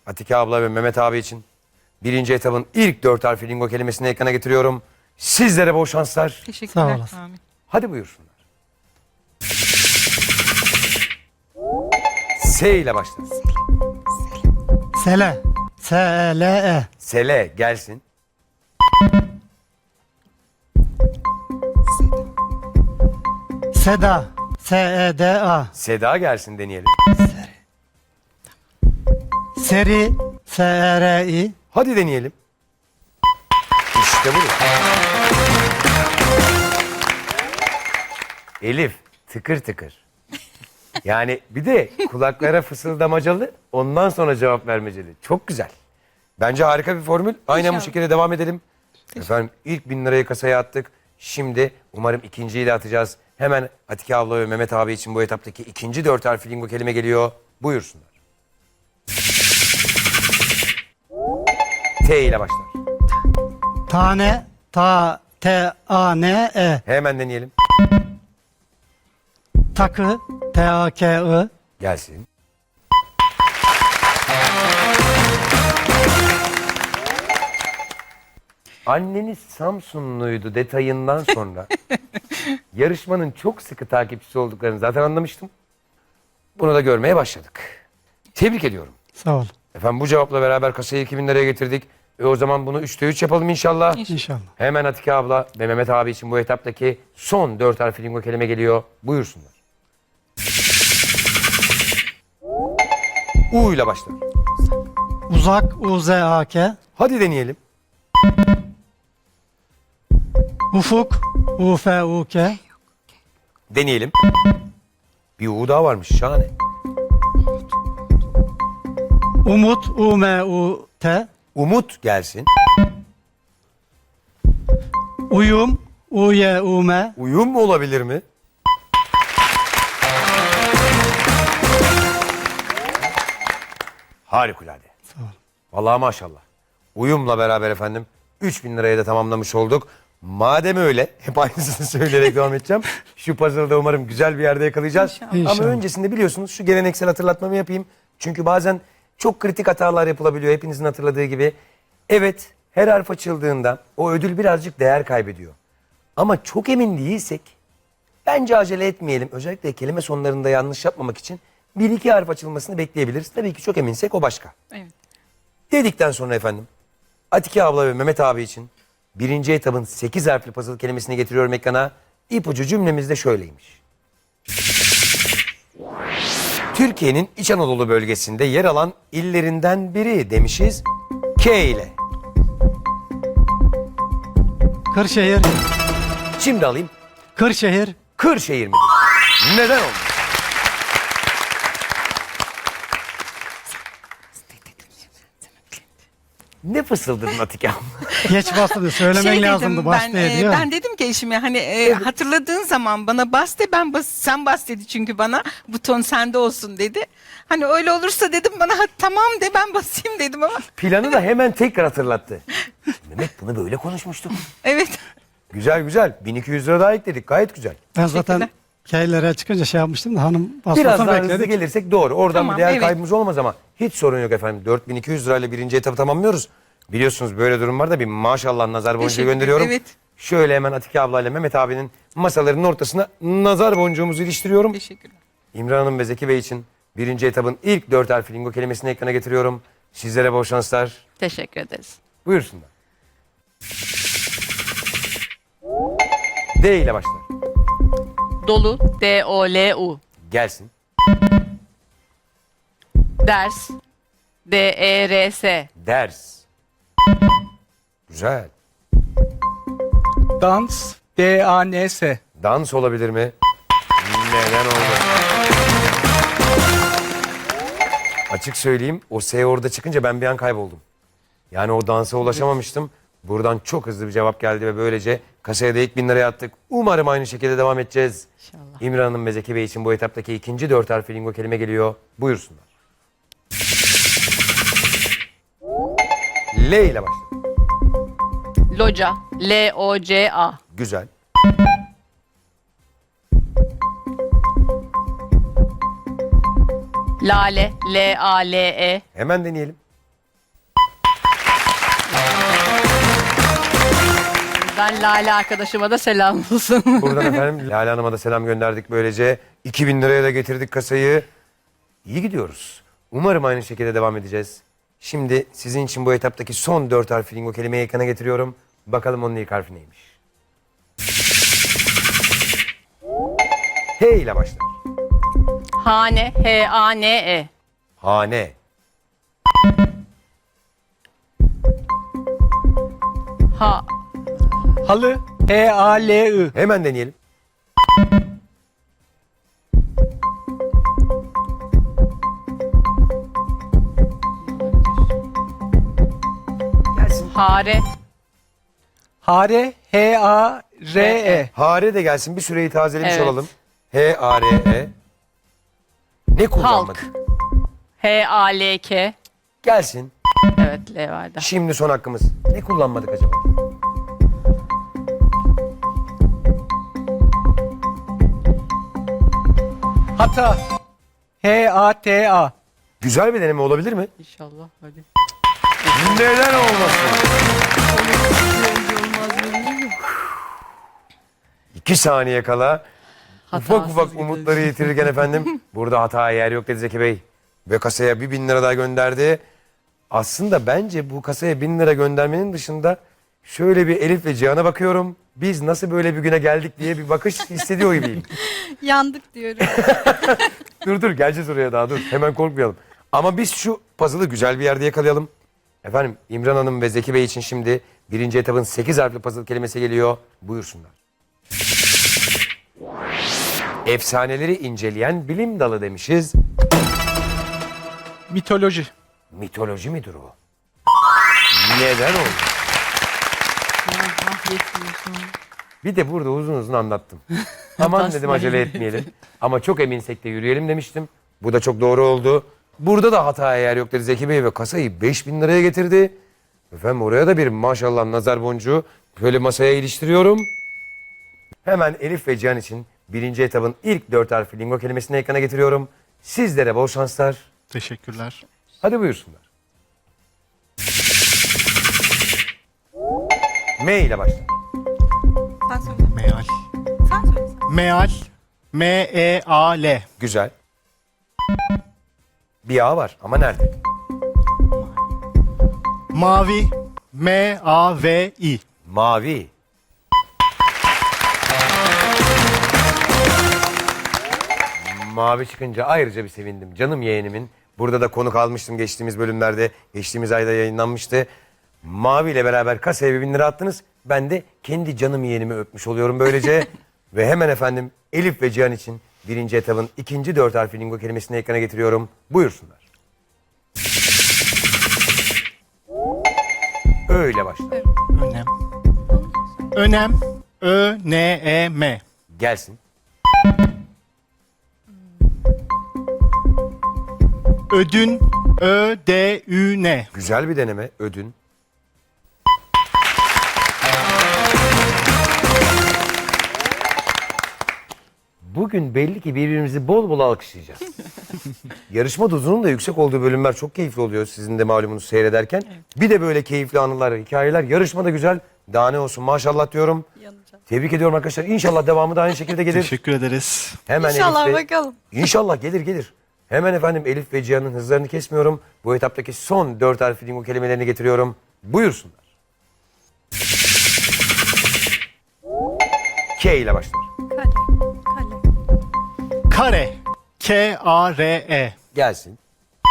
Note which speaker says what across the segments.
Speaker 1: Atike abla ve Mehmet abi için birinci etabın ilk 4 harfli lingo kelimesini ekrana getiriyorum. Sizlere bol şanslar.
Speaker 2: Teşekkürler.
Speaker 3: Sağ olasın.
Speaker 2: Amin.
Speaker 1: Hadi buyursunlar. S ile başlar.
Speaker 3: Sele. S-E-L-E.
Speaker 1: Sele gelsin.
Speaker 3: Seda. S-E-D-A.
Speaker 1: Seda gelsin deneyelim.
Speaker 3: Seri. S-E-R-I.
Speaker 1: Hadi deneyelim. İşte bu. Elif tıkır tıkır. Yani bir de kulaklara fısıldamacalı, ondan sonra cevap vermeceli. Çok güzel. Bence harika bir formül. Aynen bu
Speaker 2: İnşallah.
Speaker 1: şekilde devam edelim. Efendim ilk 1000 lirayı kasaya attık. Şimdi umarım ikinciyi de atacağız. Hemen Atike abla ve Mehmet abi için bu etaptaki ikinci 4 harfli lingo kelime geliyor. Buyursunlar. T ile başlar.
Speaker 3: Tane. T-A-N-E.
Speaker 1: Hemen deneyelim.
Speaker 3: Takı. T-A-K-I.
Speaker 1: Gelsin. Anneniz Samsunluydu detayından sonra yarışmanın çok sıkı takipçisi olduklarını zaten anlamıştım. Bunu da görmeye başladık. Tebrik ediyorum.
Speaker 3: Sağ ol.
Speaker 1: Efendim bu cevapla beraber kasayı 2000 liraya getirdik. O zaman bunu 3'te 3 yapalım inşallah.
Speaker 3: İnşallah.
Speaker 1: Hemen Atike abla ve Mehmet abi için bu etaptaki son 4 harfli lingo kelime geliyor. Buyursunlar. U ile başlar.
Speaker 3: Uzak. U-Z-A-K.
Speaker 1: Hadi deneyelim.
Speaker 3: Ufuk. U-F-U-K.
Speaker 1: Deneyelim. Bir U daha varmış. Şahane.
Speaker 3: Umut. U-M-U-T.
Speaker 1: Umut gelsin.
Speaker 3: Uyum. U-Y-U-M.
Speaker 1: Uyum mu olabilir mi? Harikulade.
Speaker 3: Sağ ol.
Speaker 1: Vallahi maşallah. Uyumla beraber efendim 3000 liraya da tamamlamış olduk. Madem öyle hep aynısını söyleyerek devam edeceğim. Şu puzzle'da umarım güzel bir yerde yakalayacağız.
Speaker 2: İnşallah.
Speaker 1: Ama
Speaker 3: İnşallah.
Speaker 1: öncesinde biliyorsunuz şu geleneksel hatırlatmamı yapayım. Çünkü bazen çok kritik hatalar yapılabiliyor hepinizin hatırladığı gibi. Evet her harf açıldığında o ödül birazcık değer kaybediyor. Ama çok emin değilsek bence acele etmeyelim. Özellikle kelime sonlarında yanlış yapmamak için bir iki harf açılmasını bekleyebiliriz. Tabii ki çok eminsek o başka.
Speaker 2: Evet.
Speaker 1: Dedikten sonra efendim Atike abla ve Mehmet abi için birinci etabın 8 harfli puzzle kelimesini getiriyorum ekrana. İpucu cümlemiz de şöyleymiş. Türkiye'nin İç Anadolu bölgesinde yer alan illerinden biri demişiz. K ile.
Speaker 3: Kırşehir.
Speaker 1: Şimdi alayım.
Speaker 3: Kırşehir.
Speaker 1: Kırşehir midir? Neden oldu? Ne fısıldadın Atike abla?
Speaker 3: Geç bastı. Söylemen
Speaker 2: Şey
Speaker 3: lazımdı.
Speaker 2: dedim,
Speaker 3: Bas
Speaker 2: ben,
Speaker 3: diye diyor.
Speaker 2: ben dedim ki eşime hani hatırladığın zaman bana bas de sen bas dedi çünkü bana buton sende olsun dedi. Hani öyle olursa dedim bana tamam de ben basayım dedim ama
Speaker 1: Planı da hemen tekrar hatırlattı. Mehmet bunu böyle konuşmuştuk.
Speaker 2: evet.
Speaker 1: Güzel güzel. 1200 lira daha ekledik. Gayet güzel.
Speaker 3: Ben zaten
Speaker 2: Teşekkürler.
Speaker 3: K'lere çıkınca şey yapmıştım da hanım
Speaker 1: Biraz
Speaker 3: basmasını
Speaker 1: daha hızlı
Speaker 3: bekledik.
Speaker 1: gelirsek doğru. Oradan
Speaker 2: Tamam,
Speaker 1: bir değer
Speaker 2: evet.
Speaker 1: kaybımız olmaz ama hiç sorun yok efendim. 4200 lirayla birinci etabı tamamlıyoruz. Biliyorsunuz böyle durumlarda bir maşallah nazar boncuğu
Speaker 2: Teşekkür
Speaker 1: gönderiyorum.
Speaker 2: ederim, evet.
Speaker 1: Şöyle hemen Atike ablayla Mehmet abinin masalarının ortasına nazar boncuğumuzu iliştiriyorum.
Speaker 2: Teşekkürler.
Speaker 1: İmran Hanım ve Zeki Bey için birinci etabın ilk 4 harfli lingo kelimesini ekrana getiriyorum. Sizlere bol şanslar.
Speaker 4: Teşekkür ederiz.
Speaker 1: Buyursunlar. D ile başlar.
Speaker 4: Dolu, D-O-L-U.
Speaker 1: Gelsin.
Speaker 4: Ders, D-E-R-S.
Speaker 1: Ders. Güzel.
Speaker 5: Dans, D-A-N-S.
Speaker 1: Dans olabilir mi? Neden oldu? Açık söyleyeyim o S orada çıkınca ben bir an kayboldum. Yani o dansa ulaşamamıştım. Buradan çok hızlı bir cevap geldi ve böylece kasaya da ilk 1000 liraya attık. Umarım aynı şekilde devam edeceğiz.
Speaker 4: İnşallah.
Speaker 1: İmran Hanım ve Zeki Bey için bu etaptaki ikinci 4 harfli lingo kelime geliyor. Buyursunlar. L ile başlar.
Speaker 4: Loca, L-O-C-A.
Speaker 1: Güzel.
Speaker 4: Lale, L-A-L-E.
Speaker 1: Hemen deneyelim.
Speaker 4: Buradan Lale arkadaşıma da selam olsun.
Speaker 1: Buradan efendim Lale Hanım'a da selam gönderdik böylece. 2000 liraya da getirdik kasayı. İyi gidiyoruz. Umarım aynı şekilde devam edeceğiz. Şimdi sizin için bu etaptaki son 4 harfli lingo kelimeyi ekrana getiriyorum. Bakalım onun ilk harfi neymiş? H ile başlar.
Speaker 4: Hane. H-A-N-E.
Speaker 1: Hane.
Speaker 4: Ha.
Speaker 5: Halı. H-A-L-I.
Speaker 1: Hemen deneyelim. Gelsin.
Speaker 4: Hare.
Speaker 5: Hare. H-A-R-E.
Speaker 1: Hare de gelsin. Bir süreyi tazelemiş
Speaker 4: Evet.
Speaker 1: olalım. H-A-R-E. Ne kullanmadık?
Speaker 4: Halk. H-A-L-K.
Speaker 1: Gelsin.
Speaker 4: Evet, L vardı.
Speaker 1: Şimdi son hakkımız. Ne kullanmadık acaba?
Speaker 5: Hata. H-A-T-A.
Speaker 1: Güzel bir deneme olabilir mi?
Speaker 4: İnşallah. Hadi.
Speaker 1: Neden olmasın? 2 saniye kala ufak
Speaker 4: Hatasız
Speaker 1: ufak
Speaker 4: gidiyor.
Speaker 1: umutları yitirirken efendim burada hataya yer yok dedi Zeki Bey. Ve kasaya 1000 lira daha gönderdi. Aslında bence bu kasaya 1000 lira göndermenin dışında şöyle bir Elif ve Cihan'a bakıyorum. Biz nasıl böyle bir güne geldik diye bir bakış hissediyor gibiyim.
Speaker 6: Yandık diyorum.
Speaker 1: Dur geleceğiz oraya daha dur. Hemen korkmayalım. Ama biz şu puzzle'ı güzel bir yerde yakalayalım. Efendim İmran Hanım ve Zeki Bey için şimdi birinci etapın 8 harfli puzzle kelimesi geliyor. Buyursunlar. Efsaneleri inceleyen bilim dalı demişiz.
Speaker 5: Mitoloji.
Speaker 1: Mitoloji midir o? Neden oldu? Bir de burada uzun uzun anlattım. Aman dedim acele etmeyelim. Ama çok eminsek de yürüyelim demiştim. Bu da çok doğru oldu. Burada da hataya yer yok dedi Zeki Bey ve kasayı 5000 liraya getirdi. Efendim oraya da bir maşallah nazar boncuğu böyle masaya iliştiriyorum. Hemen Elif ve Cihan için birinci etabın ilk 4 harfli lingo kelimesini ekrana getiriyorum. Sizlere bol şanslar.
Speaker 3: Teşekkürler.
Speaker 1: Hadi buyursunlar. M ile başlar.
Speaker 6: Sen söyle.
Speaker 3: Meal.
Speaker 6: Sen söyle.
Speaker 3: Meal. M-E-A-L.
Speaker 1: Güzel. Bir A var ama nerede?
Speaker 3: Mavi. M-A-V-I.
Speaker 1: Mavi. Mavi çıkınca ayrıca bir sevindim. Canım yeğenimin. Burada da konuk almıştım geçtiğimiz bölümlerde. Geçtiğimiz ayda yayınlanmıştı. Mavi ile beraber kasaya 1000 lira attınız. Ben de kendi canım yeğenimi öpmüş oluyorum böylece. Ve hemen efendim Elif ve Cihan için birinci etabın ikinci 4 harfli lingo kelimesini ekrana getiriyorum. Buyursunlar. Öyle başlar.
Speaker 3: Önem. Önem. Ö-N-E-M.
Speaker 1: Gelsin.
Speaker 3: Ödün. Ö-D-Ü-N.
Speaker 1: Güzel bir deneme. Ödün. Bugün belli ki birbirimizi bol bol alkışlayacağız. Yarışma dozunun da yüksek olduğu bölümler çok keyifli oluyor sizin de malumunuz seyrederken. Bir de böyle keyifli anılar, hikayeler. Yarışma da güzel. Daha ne olsun maşallah diyorum.
Speaker 6: Yanacağım.
Speaker 1: Tebrik ediyorum arkadaşlar. İnşallah devamı da aynı şekilde gelir.
Speaker 3: Teşekkür ederiz.
Speaker 1: Hemen
Speaker 6: İnşallah
Speaker 1: Elif ve-
Speaker 6: bakalım.
Speaker 1: İnşallah gelir. Hemen efendim Elif ve Cihan'ın hızlarını kesmiyorum. Bu etaptaki son 4 harfli lingo kelimelerini getiriyorum. Buyursunlar. K ile başlar.
Speaker 6: Kale. Kale.
Speaker 3: Kare. K-A-R-E.
Speaker 1: Gelsin.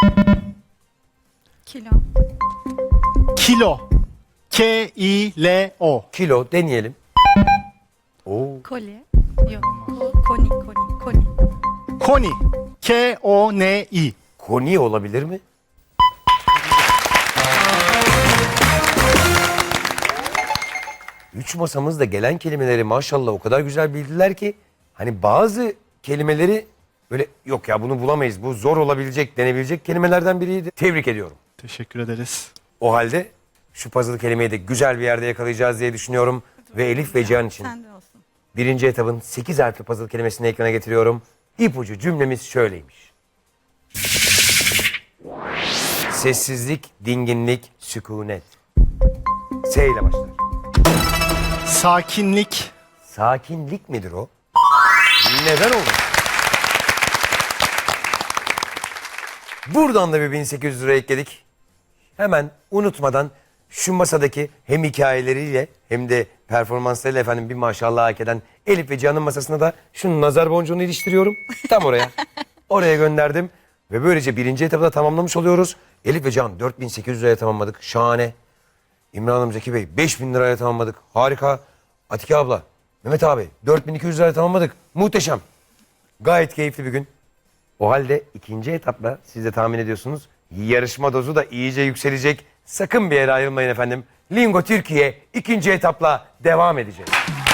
Speaker 6: Kilo.
Speaker 3: Kilo. K-I-L-O.
Speaker 1: Kilo deneyelim. Oo.
Speaker 6: Kolye. Yok. Koni. Koni.
Speaker 3: Koni. K-O-N-I.
Speaker 1: Koni olabilir mi? Üç masamızda gelen kelimeleri maşallah o kadar güzel bildiler ki hani bazı kelimeleri böyle yok ya bunu bulamayız bu zor olabilecek denebilecek kelimelerden biriydi. Tebrik ediyorum.
Speaker 3: Teşekkür ederiz.
Speaker 1: O halde şu puzzle kelimeyi de güzel bir yerde yakalayacağız diye düşünüyorum. Ve Elif ve Cihan için
Speaker 6: Sende olsun.
Speaker 1: birinci etabın 8 harfli puzzle kelimesini ekrana getiriyorum. İpucu cümlemiz şöyleymiş. Sessizlik, dinginlik, sükunet. S ile başlar.
Speaker 3: Sakinlik.
Speaker 1: Sakinlik midir o? Neden olur? Buradan da bir 1800 lira ekledik. Hemen unutmadan şu masadaki hem hikayeleriyle hem de performanslarıyla efendim bir maşallah hak eden Elif ve Cihan'ın masasına da şu nazar boncuğunu iliştiriyorum. Tam oraya. Oraya gönderdim. Ve böylece birinci etabı da tamamlamış oluyoruz. Elif ve Cihan 4800 liraya tamamladık. Şahane. İmran Hanım, Zeki Bey 5000 liraya tamamladık. Harika. Atike abla, Mehmet abi 4200 liraya tamamladık. Muhteşem. Gayet keyifli bir gün. O halde ikinci etapla siz de tahmin ediyorsunuz. Yarışma dozu da iyice yükselecek. Sakın bir yere ayrılmayın efendim. Lingo Türkiye ikinci etapla devam edecek.